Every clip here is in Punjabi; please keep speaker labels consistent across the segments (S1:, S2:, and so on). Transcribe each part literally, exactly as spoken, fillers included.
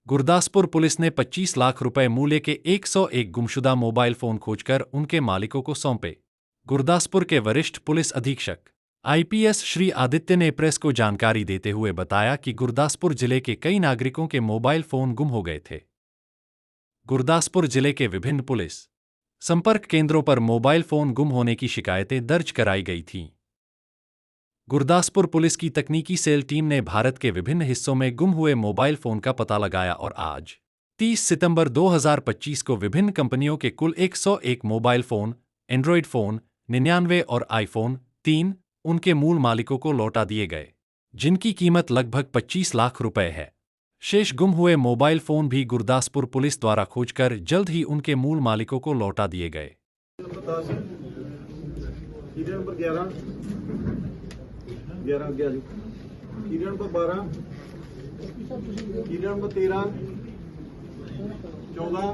S1: गुरदासपुर पुलिस ने पच्चीस लाख रुपए मूल्य के एक सौ एक गुमशुदा मोबाइल फोन खोजकर उनके मालिकों को सौंपे। गुरदासपुर के वरिष्ठ पुलिस अधीक्षक आईपीएस श्री आदित्य ने प्रेस को जानकारी देते हुए बताया कि गुरदासपुर जिले के कई नागरिकों के मोबाइल फोन गुम हो गए थे। गुरदासपुर जिले के विभिन्न पुलिस संपर्क केंद्रों पर मोबाइल फोन गुम होने की शिकायतें दर्ज कराई गई थीं। गुरदासपुर पुलिस की तकनीकी सेल टीम ने भारत के विभिन्न हिस्सों में गुम हुए मोबाइल फोन का पता लगाया और आज तीस सितंबर दो हज़ार पच्चीस को विभिन्न कंपनियों के कुल एक सौ एक मोबाइल फोन, एंड्रॉयड फोन निन्यानवे और आईफोन तीन उनके मूल मालिकों को लौटा दिए गए, जिनकी कीमत लगभग पच्चीस लाख रुपए है। शेष गुम हुए मोबाइल फोन भी गुरदासपुर पुलिस द्वारा खोजकर जल्द ही उनके मूल मालिकों को लौटा दिए गए।
S2: ग्यारह ग्यारह कीड़े नंबर बारह, कीड़े नंबर तेरह, चौदह,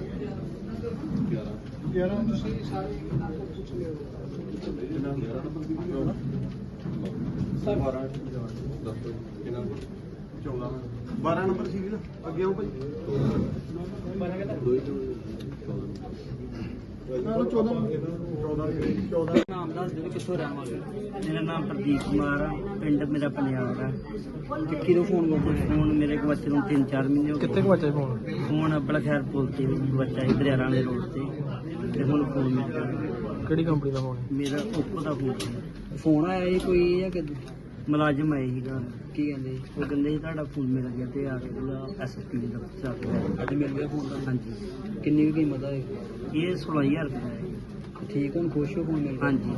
S2: ग्यारह बारह नंबर सी ना अगे आओ भाई
S3: नाम दस दो कितों रहने वाले। मेरा नाम प्रदीप कुमार है, पिंड मेरा पंजाब है। टिक्की तो फोन फोन मेरे को बच्चे को तीन चार महीने हो गए।
S4: कितने बच्चे फोन
S3: फोन अपना खैर बोलते बच्चा ही दरियारा वाले रोड से ते हुन फोन मिल गया।
S4: ਕਿਹੜੀ ਕੰਪਨੀ ਦਾ ਫੋਨ ਹੈ?
S3: मेरा ओप्पो का फोन फोन आया ही कोई या कि मुलाजिम आए ही की कहते वो कहते ਤੁਹਾਡਾ फोन मिल गया ਤੇ ਆ ਕੇ ਉਹਦਾ ਐਸਐਸਪੀ ਦਾ ਚਾਰਜ ਅੱਜ ਮਿਲ ਗਿਆ फोन ਦਾ। ਹਾਂਜੀ
S4: ਕਿੰਨੀ ਕੁ ਕੀਮਤ ਹੈ?
S3: ਇਹ सोलह हज़ार ਰੁਪਏ ਹੈ।
S4: ਠੀਕ ਹੁਣ ਖੁਸ਼ ਹੋ ਫੋਨ ਮਿਲ ਗਿਆ?
S3: ਹਾਂਜੀ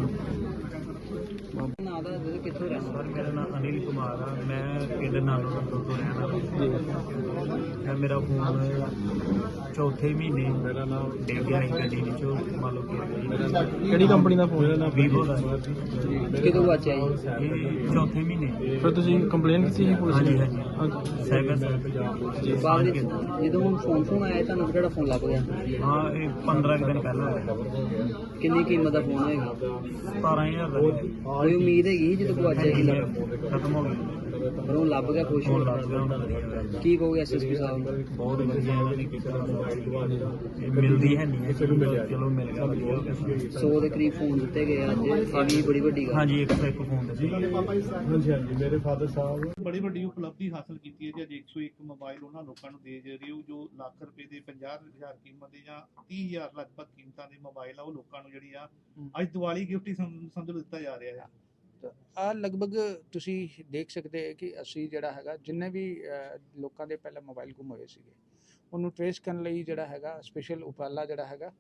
S4: ਨਾਂ ਦਾ ਕਿੱਥੋਂ ਰਹਿਣਾ?
S5: सर मेरा नाम अनिल कुमार है, मैं पिंड नालो नंदो तो रहना। है मेरा फोन चौथे महीने मेरा नाम डिग गया ही गड्डी विचों मान लो कि
S4: ਕਿਹੜੀ ਕੰਪਨੀ ਦਾ ਫੋਨ ਹੈ?
S5: वीवो का
S4: ਕਿਦੋਂ ਵਾਚਿਆ ਜੀ?
S5: ये चौथे महीने।
S4: ਫਿਰ ਤੁਸੀਂ ਕੰਪਲੇਨ ਕੀਤੀ ਸੀ ਪੁਲਿਸ
S5: हाँ जी
S4: ਨੂੰ?
S5: हाँ जी साइबर सेल
S4: ਬਾਅਦ ਵਿੱਚ ਜਦੋਂ ਹੁਣ ਫੋਨ ਫੋਨ ਆਇਆ ਤੁਹਾਨੂੰ ਕਿਹੜਾ ਫੋਨ ਲੱਗ ਗਿਆ?
S5: हाँ ये पंद्रह दिन पहले
S4: ਕਿੰਨੀ ਕੀਮਤ ਦਾ ਫੋਨ ਹੋਏਗਾ?
S5: सतारह हज़ार का
S4: ਕੋਈ ਉਮੀਦ ਹੈਗੀ ਜਦੋਂ ਕੋ ਵਾਚਿਆ ਸੀ?
S5: खत्म हो गया
S4: ਪਰ ਉਹ ਲੱਭ ਗਿਆ ਖੁਸ਼ ਹੋ
S5: फोन लग गया।
S4: ਕੀ ਕਹੋਗੇ ਐਸਐਸਪੀ ਸਾਹਿਬ ਨੂੰ?
S5: बहुत बढ़िया इन्होंने किया, मिलती है नहीं है चलो मिल गया बढ़िया हो गया।
S4: सौ ਦੇ ਕਰੀਬ ਫੋਨ ਦਿੱਤੇ ਗਏ ਅੱਜ, ਇਹ ਵੀ ਬੜੀ ਵੱਡੀ ਗੱਲ।
S5: हाँ जी एक सौ एक फोन दे
S2: ਮੇਰੇ ਫਾਦਰ ਸਾਹਿਬ
S6: ਬੜੀ ਵੱਡੀ ਉਪਲਬਧੀ ਹਾਸਲ ਕੀਤੀ ਹੈ ਜੀ। ਅੱਜ ਇੱਕ ਸੌ ਇੱਕ ਮੋਬਾਈਲ ਉਹਨਾਂ ਲੋਕਾਂ ਨੂੰ ਦੇ ਰਹੇ ਹੋ ਜੋ ਲੱਖ ਰੁਪਏ ਦੇ ਪੰਜਾਹ ਹਜ਼ਾਰ ਕੀਮਤ ਦੇ ਜਾਂ ਤੀਹ ਹਜ਼ਾਰ ਲਗਭਗ ਕੀਮਤਾਂ ਦੇ ਮੋਬਾਈਲ ਆ ਉਹ ਲੋਕਾਂ ਨੂੰ ਜਿਹੜੀ ਆ ਅੱਜ ਦੀਵਾਲੀ ਗਿਫਟ ਹੀ ਸਮ- ਸਮਝ ਲਓ ਦਿੱਤਾ ਜਾ ਰਿਹਾ ਹੈ।
S7: ਆ ਲਗਭਗ ਤੁਸੀਂ ਦੇਖ ਸਕਦੇ ਹੋ ਕਿ ਅਸੀਂ ਜਿਹੜਾ ਹੈਗਾ ਜਿੰਨੇ ਵੀ ਅ, ਲੋਕਾਂ ਦੇ ਪਹਿਲਾਂ ਮੋਬਾਈਲ ਗੁੰਮ ਹੋਏ ਸੀਗੇ ਉਹਨੂੰ ਟ੍ਰੇਸ ਕਰਨ ਲਈ ਜਿਹੜਾ ਹੈਗਾ ਸਪੈਸ਼ਲ ਉਪਰਾਲਾ ਜਿਹੜਾ ਹੈਗਾ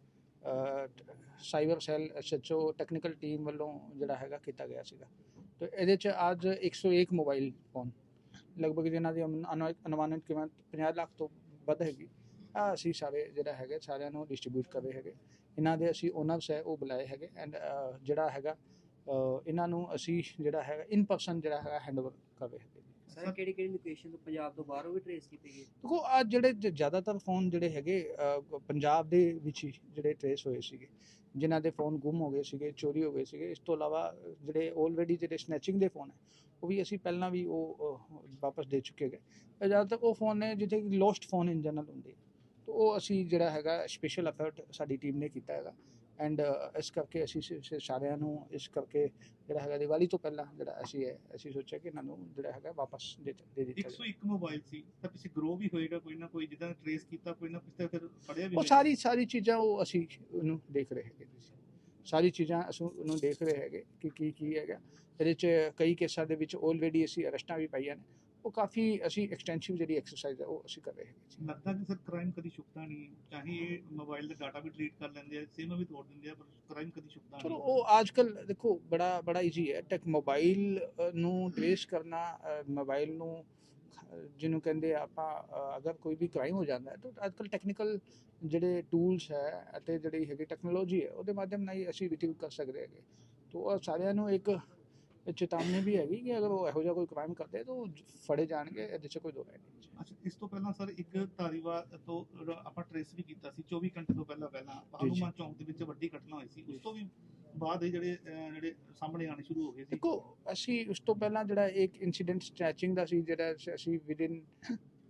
S7: cyber cell SHO technical team ਵੱਲੋਂ ਜਿਹੜਾ ਹੈਗਾ ਕੀਤਾ ਗਿਆ ਸੀਗਾ। ਤੇ ਇਹਦੇ 'ਚ ਅੱਜ ਇੱਕ ਸੌ ਇੱਕ ਮੋਬਾਈਲ ਫੋਨ ਲਗਭਗ ਜਿਨ੍ਹਾਂ ਦੀ ਅਨੁ- ਅਨੁ- ਅਨੁਮਾਨਿਤ ਕੀਮਤ ਪੰਜਾਹ ਲੱਖ ਤੋਂ ਵੱਧ ਹੈਗੀ ਆ ਅਸੀਂ ਸਾਰੇ ਜਿਹੜਾ ਹੈਗਾ ਸਾਰਿਆਂ ਨੂੰ ਡਿਸਟ੍ਰੀਬਿਊਟ ਕਰ ਰਹੇ ਹੈਗੇ। ਇਹਨਾਂ ਦੇ ਅਸੀਂ ਓਨਰਸ ਹੈ ਉਹ ਬੁਲਾਏ ਹੈਗੇ ਐਂਡ ਜਿਹੜਾ ਹੈਗਾ ਅ, ਇਹਨਾਂ ਨੂੰ ਅਸੀਂ ਜਿਹੜਾ ਹੈਗਾ ਇਨ ਪਰਸਨ ਜਿਹੜਾ ਹੈਗਾ ਹੈਂਡਓਵਰ ਕਰ ਰਹੇ ਹੈਗੇ।
S4: ਸਰ ਕਿਹੜੀ ਕਿਹੜੀ ਲੋਕੇਸ਼ਨ ਤੋਂ ਪੰਜਾਬ ਤੋਂ ਬਾਹਰੋਂ ਵੀ ਟ੍ਰੇਸ ਕੀਤੇ ਗਏ?
S7: ਦੇਖੋ ਆ ਜਿਹੜੇ ਜ- ਜ਼ਿਆਦਾਤਰ ਫੋਨ ਜਿਹੜੇ ਹੈਗੇ ਅ, ਪੰਜਾਬ ਦੇ ਵਿੱਚ ਹੀ ਜਿਹੜੇ ਟ੍ਰੇਸ ਹੋਏ ਸੀਗੇ ਜਿਨ੍ਹਾਂ ਦੇ ਫੋਨ ਗੁੰਮ ਹੋ ਗਏ ਸੀਗੇ, ਚੋਰੀ ਹੋ ਗਏ ਸੀਗੇ। ਇਸ ਤੋਂ ਇਲਾਵਾ ਜਿਹੜੇ ਆਲਰੇਡੀ ਜਿਹੜੇ ਸਨੈਚਿੰਗ ਦੇ ਫੋਨ ਹੈ ਉਹ ਵੀ ਅਸੀਂ ਪਹਿਲਾਂ ਵੀ ਉਹ ਅ, ਵਾਪਸ ਦੇ ਚੁੱਕੇ ਗਏ। ਇਹ ਜ਼ਿਆਦਾਤਰ ਉਹ ਫੋਨ ਨੇ ਜਿੱਥੇ ਲੋਸਟ ਫੋਨ ਇਨ ਜਨਰਲ ਹੁੰਦੇ ਤਾਂ ਉਹ ਅਸੀਂ ਜਿਹੜਾ ਹੈਗਾ ਸਪੈਸ਼ਲ ਐਫਰਟ ਸਾਡੀ ਟੀਮ ਨੇ ਕੀਤਾ ਹੈਗਾ ਐਂਡ ਇਸ ਕਰਕੇ ਅਸੀਂ ਸ- ਸ- ਸਾਰਿਆਂ ਨੂੰ ਇਸ ਕਰਕੇ ਜਿਹੜਾ ਹੈਗਾ ਦੀਵਾਲੀ ਤੋਂ ਪਹਿਲਾਂ ਜਿਹੜਾ ਅਸੀਂ ਹੈ ਅਸੀਂ ਸੋਚਿਆ ਕਿ ਇਹਨਾਂ ਨੂੰ ਜਿਹੜਾ ਹੈਗਾ ਵਾਪਸ ਦੇ ਦੇ ਦਿੱਤਾ
S6: ਇੱਕ ਸੌ ਇੱਕ ਮੋਬਾਈਲ ਸੀ ਤਾਂ ਪਿੱਛੇ ਗਰੋ ਵੀ ਹੋਏਗਾ ਕੋਈ ਨਾ ਕੋਈ, ਜਿੱਦਾਂ ਟ੍ਰੇਸ ਕੀਤਾ ਕੋਈ ਨਾ ਪਿੱਛੇ ਫਿਰ ਫੜਿਆ ਵੀ
S7: ਉਹ
S6: ਹੋਏਗਾ।
S7: ਸਾਰੀ ਸਾਰੀ ਚੀਜ਼ਾਂ ਉਹ ਅਸੀਂ ਉਹਨੂੰ ਦੇਖ ਰਹੇ ਹੈਗੇ ਜੀ। ਸਾਰੀ ਚੀਜ਼ਾਂ ਅਸੀਂ ਉਹਨੂੰ ਦੇਖ ਰਹੇ ਹੈਗੇ ਕਿ ਕੀ ਕੀ ਹੈਗਾ ਇਹਦੇ 'ਚ। ਕਈ ਕੇਸਾਂ ਦੇ ਵਿੱਚ ਆਲਰੇਡੀ ਅਸੀਂ ਅਰੈਸਟਾਂ ਵੀ ਪਾਈਆਂ ਨੇ। ਉਹ ਕਾਫੀ ਅਸੀਂ ਐਕਸਟੈਂਸਿਵ ਜਿਹੜੀ ਐਕਸਰਸਾਈਜ਼ ਹੈ ਉਹ ਅਸੀਂ ਕਰ ਰਹੇ ਹੈਗੇ ਜੀ।
S6: ਲੱਗਦਾ ਕਿ ਸਰ ਕ੍ਰਾਈਮ ਕਦੀ ਛੁਪਦਾ ਨਹੀਂ, ਚਾਹੇ ਇਹ ਮੋਬਾਈਲ ਦਾ ਡਾਟਾ ਵੀ ਡਿਲੀਟ ਕਰ ਲੈਂਦੇ ਆ, ਸਿਮ ਵੀ ਤੋੜ ਦਿੰਦੇ ਆ, ਪਰ ਕ੍ਰਾਈਮ ਕਦੀ ਛੁਪਦਾ
S7: ਚਲੋ
S6: ਨਹੀਂ।
S7: ਉਹ ਅੱਜ ਕੱਲ ਦੇਖੋ ਬੜਾ ਬੜਾ ਈਜ਼ੀ ਹੈ ਟੈਕ ਮੋਬਾਈਲ ਨੂੰ ਟ੍ਰੇਸ ਕਰਨਾ। ਮੋਬਾਈਲ ਨੂੰ ਅ, ਜਿਹਨੂੰ ਕਹਿੰਦੇ ਆ ਆਪਾਂ ਅ, ਅਗਰ ਕੋਈ ਵੀ ਕ੍ਰਾਈਮ ਹੋ ਜਾਂਦਾ ਹੈ ਤਾਂ ਅੱਜ ਕੱਲ ਟੈਕਨੀਕਲ ਜਿਹੜੇ ਟੂਲਸ ਹੈ ਅਤੇ ਜਿਹੜੀ ਹੈਗੀ ਟੈਕਨੋਲੋਜੀ ਹੈ ਉਹਦੇ ਮਾਧਿਅਮ ਨਾਲ ਹੀ ਅਸੀਂ ਰਿਟਰੀਵ ਕਰ ਸਕਦੇ ਹੈਗੇ। ਤਾਂ ਉਹ ਸਾਰਿਆਂ ਨੂੰ ਇੱਕ ਚੇਤਾਵਨੀ ਵੀ ਹੈਗੀ ਕਿ ਅਗਰ ਉਹ ਇਹੋ ਜਿਹਾ ਕੋਈ ਕ੍ਰਾਈਮ ਕਰਦੇ ਤਾਂ ਉਹ ਫੜੇ ਜਾਣਗੇ, ਇਹਦੇ 'ਚ ਕੋਈ ਦੋ ਰਾਏ ਨਹੀਂ।
S6: ਅੱਛਾ, ਇਸ ਤੋਂ ਪਹਿਲਾਂ ਸਰ ਇੱਕ ਧਾਰੀਵਾਲ ਤੋਂ ਰ- ਆਪਾਂ ਟ੍ਰੇਸ ਵੀ ਕੀਤਾ ਸੀ ਚੌਵੀ ਘੰਟੇ ਤੋਂ ਪਹਿਲਾਂ ਪਹਿਲਾਂ ਹਨੂੰਮਾਨ ਚੌਂਕ ਦੇ ਵਿੱਚ ਵੱਡੀ ਘਟਨਾ ਹੋਈ ਸੀ। ਉਸ ਤੋਂ ਵੀ ਬਾਅਦ ਇਹ ਜਿਹੜੇ ਅਹ, ਜਿਹੜੇ ਸਾਹਮਣੇ ਆਣੇ ਸ਼ੁਰੂ ਹੋ ਗਏ ਸੀ।
S7: ਦੇਖੋ ਅਸੀਂ ਉਸ ਤੋਂ ਪਹਿਲਾਂ ਜਿਹੜਾ ਇੱਕ ਇਨਸੀਡੈਂਟ ਸਟ੍ਰੈਚਿੰਗ ਦਾ ਸੀ ਜਿਹੜਾ ਸ- ਅਸੀਂ ਵਿਦਿਨ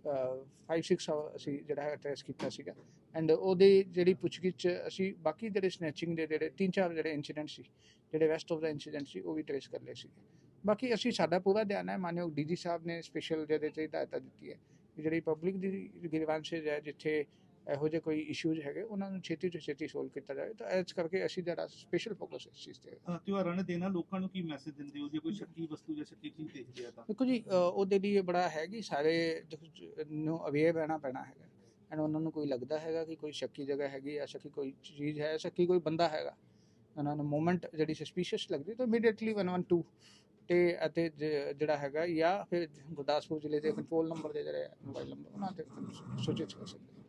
S7: ਫਾਈਵ ਸਿਕਸ ਅਸੀਂ ਜਿਹੜਾ ਹੈ ਟ੍ਰੇਸ ਕੀਤਾ ਸੀਗਾ ਐਂਡ ਉਹਦੀ ਜਿਹੜੀ ਪੁੱਛਗਿੱਛ ਅਸੀਂ ਬਾਕੀ ਜਿਹੜੇ ਸਨੈਚਿੰਗ ਦੇ ਜਿਹੜੇ ਤਿੰਨ ਚਾਰ ਜਿਹੜੇ ਇੰਸੀਡੈਂਟ ਸੀ ਜਿਹੜੇ ਵੈਸਟ ਆਫ ਦਾ ਇੰਸੀਡੈਂਟ ਸੀ ਉਹ ਵੀ ਟ੍ਰੇਸ ਕਰ ਲਏ ਸੀਗੇ। ਬਾਕੀ ਅਸੀਂ ਸਾਡਾ ਪੂਰਾ ਧਿਆਨ ਹੈ, ਮਾਨਯੋਗ ਡੀ ਜੀ ਸਾਹਿਬ ਨੇ ਸਪੈਸ਼ਲ ਜਿਹਦੇ 'ਤੇ ਹਦਾਇਤਾਂ ਦਿੱਤੀ ਹੈ ਕਿ ਜਿਹੜੀ ਪਬਲਿਕ ਦੀ ਗ੍ਰੀਵਾਂਸਿਸ ਹੈ ਜਿੱਥੇ ਇਹੋ ਜਿਹੇ ਕੋਈ ਇਸ਼ੂਜ਼ ਹੈਗੇ ਉਹਨਾਂ ਨੂੰ ਛੇਤੀ ਤੋਂ ਛੇਤੀ ਸੋਲਵ ਕੀਤਾ ਜਾਵੇ। ਤਾਂ ਇਸ ਕਰਕੇ ਅਸੀਂ ਜਿਹੜਾ ਸਪੈਸ਼ਲ ਫੋਕਸ ਇਸ ਚੀਜ਼ 'ਤੇ
S6: ਅ, ਤਿਉਹਾਰਾਂ ਨੇ ਦੇਣਾ ਲੋਕਾਂ ਨੂੰ ਕੀ ਮੈਸੇਜ ਦਿੰਦੇ ਹੋ ਜੇ ਕੋਈ ਸ਼ੱਕੀ ਵਸਤੂ ਜਾਂ ਸ਼ੱਕੀ ਚੀਜ਼ ਦੇਖਦੇ ਆ ਤਾਂ?
S7: ਦੇਖੋ ਜੀ ਅ, ਉਹਦੇ ਲਈ ਇਹ ਬੜਾ ਹੈ ਕਿ ਸਾਰੇ ਜ- ਨੂੰ ਅਵੇਅਰ ਰਹਿਣਾ ਪੈਣਾ ਹੈਗਾ ਐਂਡ ਉਹਨਾਂ ਨੂੰ ਕੋਈ ਲੱਗਦਾ ਹੈਗਾ ਕਿ ਕੋਈ ਸ਼ੱਕੀ ਜਗ੍ਹਾ ਹੈਗੀ ਜਾਂ ਸ਼ੱਕੀ ਕੋਈ ਚੀਜ਼ ਹੈ, ਸ਼ੱਕੀ ਕੋਈ ਬੰਦਾ ਹੈਗਾ, ਉਹਨਾਂ ਨੂੰ ਮੂਵਮੈਂਟ ਜਿਹੜੀ ਸਸਪੀਸ਼ੀਅਸ ਲੱਗਦੀ ਤਾਂ ਇਮੀਡੀਏਟਲੀ ਵਨ ਵਨ ਟੂ ਤੇ ਅਤੇ ਜ- ਜਿਹੜਾ ਹੈਗਾ ਜਾਂ ਫਿਰ ਗੁਰਦਾਸਪੁਰ ਜ਼ਿਲ੍ਹੇ ਦੇ ਕੰਟਰੋਲ ਨੰਬਰ ਦੇ ਜਿਹੜੇ ਮੋਬਾਈਲ ਨੰਬਰ ਉਹਨਾਂ ਤੇ ਸੂਚਿਤ ਕਰ ਸਕਦੇ।